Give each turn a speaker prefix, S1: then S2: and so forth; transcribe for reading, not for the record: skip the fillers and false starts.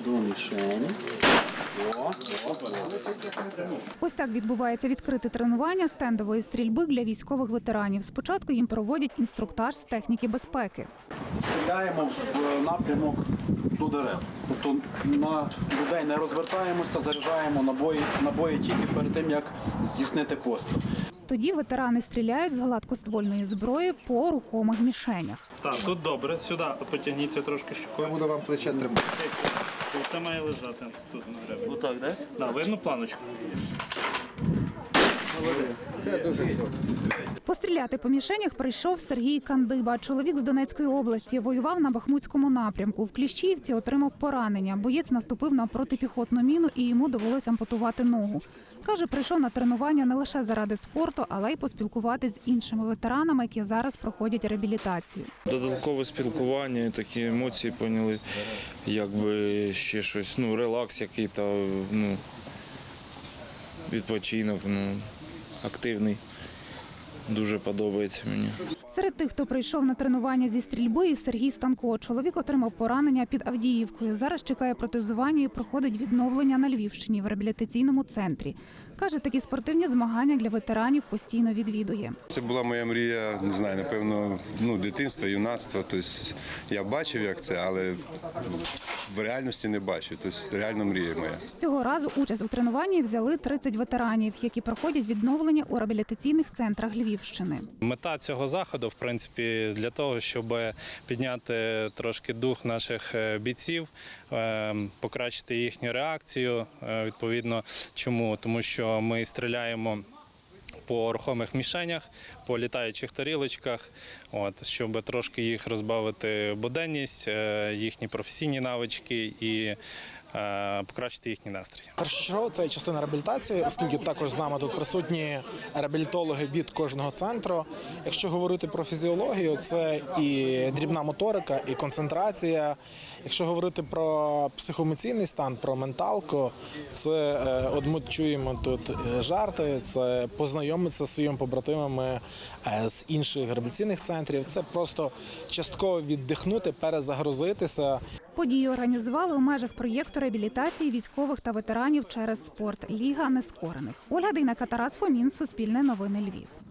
S1: до мішені.
S2: Ось так відбувається відкрите тренування стендової стрільби для військових ветеранів. Спочатку їм проводять інструктаж з техніки безпеки.
S1: Стріляємо в напрямок до дерев. Тобто на людей не розвертаємося, заряджаємо набої тільки перед тим, як здійснити постріл.
S2: Тоді ветерани стріляють з гладкоствольної зброї по рухомих мішенях.
S3: Так, тут добре. Сюди потягніться трошки щукою.
S4: Буду вам плече тримати.
S3: Це має лежати тут на гребі.
S1: Отак, так?
S3: Так, видно планочку?
S4: Все дуже добре.
S2: Постріляти по мішенях прийшов Сергій Кандиба. Чоловік з Донецької області. Воював на Бахмутському напрямку. В Кліщіївці отримав поранення. Боєць наступив на протипіхотну міну і йому довелося ампутувати ногу. Каже, прийшов на тренування не лише заради спорту, але й поспілкуватись з іншими ветеранами, які зараз проходять реабілітацію.
S5: Додаткове спілкування, такі емоції поняли, якби ще щось, релакс який-то, відпочинок, активний. Дуже подобається мені.
S2: Серед тих, хто прийшов на тренування зі стрільби, і Сергій Станко. Чоловік отримав поранення під Авдіївкою. Зараз чекає протезування і проходить відновлення на Львівщині в реабілітаційному центрі. Каже, такі спортивні змагання для ветеранів постійно відвідує.
S6: Це була моя мрія, не знаю, напевно, дитинства, юнацтва. Тобто я бачив, як це, але в реальності не бачив. Тобто реально мрія моя.
S2: Цього разу участь у тренуванні взяли 30 ветеранів, які проходять відновлення у реабілітаційних центрах Львівщини.
S3: Мета цього заходу, в принципі, для того, щоб підняти трошки дух наших бійців, покращити їхню реакцію. Відповідно, чому? Тому що ми стріляємо по рухомих мішенях, по літаючих тарілочках, щоб трошки їх розбавити буденність, їхні професійні навички і покращити їхній настрій.
S7: Першочергово це частина реабілітації, оскільки також з нами тут присутні реабілітологи від кожного центру. Якщо говорити про фізіологію, це і дрібна моторика, і концентрація. Якщо говорити про психоемоційний стан, про менталку, це от ми чуємо тут жарти, це познайомитися зі своїми побратимами з інших реабілітаційних центрів. Це просто частково віддихнути, перезагрузитися.
S2: Події організували у межах проєкту реабілітації військових та ветеранів через спорт «Ліга нескорених». Ольга Дейнека, Тарас Фомін, Суспільне новини, Львів.